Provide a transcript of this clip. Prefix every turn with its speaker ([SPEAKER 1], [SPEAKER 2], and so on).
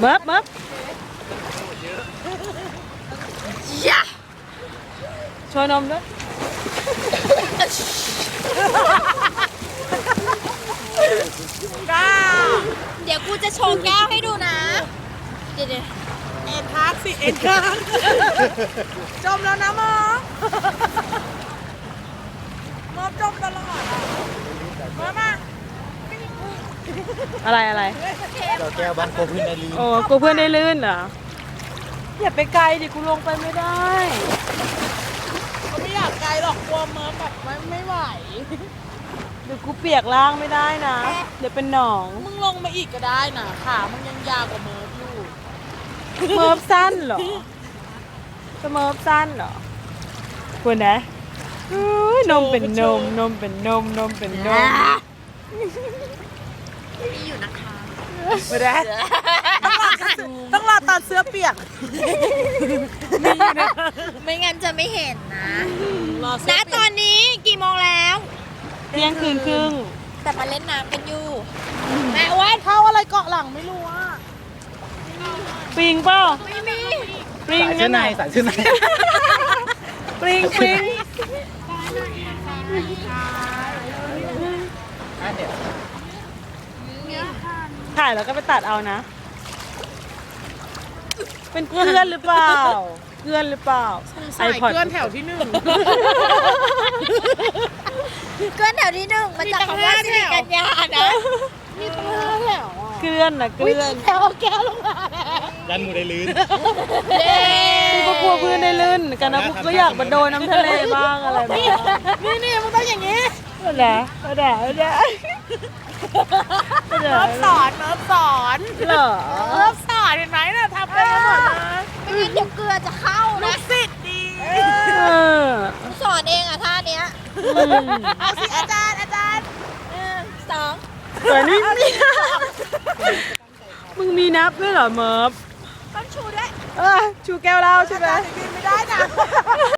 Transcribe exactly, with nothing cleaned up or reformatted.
[SPEAKER 1] เมิบเมิบยะโชว์นมด้วย
[SPEAKER 2] ก้า
[SPEAKER 3] เดี๋ยวกูจะโชว์แก้วให้ดูนะ เดี๋ยวเดี๋ยว
[SPEAKER 2] เอ็นทักสิเอ็นทักจมแล้วนะมอมอจมตลอดอ่ะมามา
[SPEAKER 1] อะไรอะไร
[SPEAKER 4] เราแก้วบ้านโกพื้นในลี
[SPEAKER 1] โอ้กูเพื่อนได้ลื่นเหรออย่าไปไกลดิกูลงไปไม่ได้
[SPEAKER 2] เขาไม่อยากไกลหรอกกลัวเมิร์ฟแบบไม่ไม่ไหว
[SPEAKER 1] เดี๋ยวกูเปียกล่างไม่ได้นะ เดี๋ยวเป็นหนอง
[SPEAKER 2] มึงลงมาอีกก็ได้นะขามึงยังยาวกว่าเมิร์ฟอยู่
[SPEAKER 1] เมิร์ฟสั้นเหรอจะเมิร์ฟสั้นเหรอคุณนะอุ๊ยนมเป็นนมนมเป็นนมนมเป็นนม
[SPEAKER 3] มีอยู่นะคะ
[SPEAKER 1] ไม่ได้
[SPEAKER 2] ต้องรอตอนเสื้อเปียก
[SPEAKER 3] ไม่งั้นจะไม่เห็นนะ
[SPEAKER 2] รอเสื้
[SPEAKER 3] ณ
[SPEAKER 2] อ
[SPEAKER 3] ต
[SPEAKER 2] เปี
[SPEAKER 3] อย น
[SPEAKER 2] ก
[SPEAKER 3] นี้กี่โมงแล้ว
[SPEAKER 1] เที่ยงคืนครึ่ง
[SPEAKER 3] แต่มาเล่นน้ำกันอยู่
[SPEAKER 2] แม่อ้วนเข้าอะไรเกาะหลังไม่รู้อ่ะ
[SPEAKER 1] ปิงเปล่า
[SPEAKER 3] ไม่มี
[SPEAKER 1] ปิง
[SPEAKER 4] สายเสื้อในสายเสื้อใน
[SPEAKER 1] ปิงปิง
[SPEAKER 4] อ่ะเดี๋ยว
[SPEAKER 1] ถ่ายแล้วก็ไปตัดเอานะ เป็นเพื่อนหรือเปล่าเพื่อนหรือเปล่า
[SPEAKER 2] สายเกลื่อนแถวที่หนึ่ง
[SPEAKER 3] เกินแถวที่หนึ่งมาจากคำว่าสิริกัญญานะ
[SPEAKER 2] มีตั้งห้าแถวอ่ะ
[SPEAKER 1] เกลื่อนนะเกลื่อน
[SPEAKER 2] แถวแก้วลงมาแล้ว
[SPEAKER 4] ยันหมูได้ลื่น
[SPEAKER 3] เย้
[SPEAKER 1] กูก็กลัวเพื่อนได้ลื่นกันนะกูก็อยากมาโดนน้ำทะเลบ้างอะไรบ้าง
[SPEAKER 2] นี่นี่มึงต้องอย่างนี้
[SPEAKER 1] ไม่ได้ไม่ได้ไม่ได้ไม่ได้
[SPEAKER 2] เมิร์ฟสอนเมิร์ฟสอน
[SPEAKER 1] เหรอ
[SPEAKER 2] เมิร์ฟสอนเห็นไหมน่ะทำได้กันหมดเลย
[SPEAKER 3] ไม่งั้นเดี๋ยวเกลือจะเข้า
[SPEAKER 2] ลู
[SPEAKER 3] นะ
[SPEAKER 2] กศิษย์ดี
[SPEAKER 1] เออ
[SPEAKER 3] กูสอนเองอะท่าเนี้ย
[SPEAKER 1] อืม
[SPEAKER 2] เอาสิอาจารย์อาจารย์
[SPEAKER 3] หนึ่งสอง
[SPEAKER 1] แต่นี่มีมึงมีนับด้วยเหรอเมิร์ฟ
[SPEAKER 3] ต้องชูด้วย
[SPEAKER 1] เออชูแก้วเหล้าใช่ไหม
[SPEAKER 2] อาจารย์บินไม่ได้นะ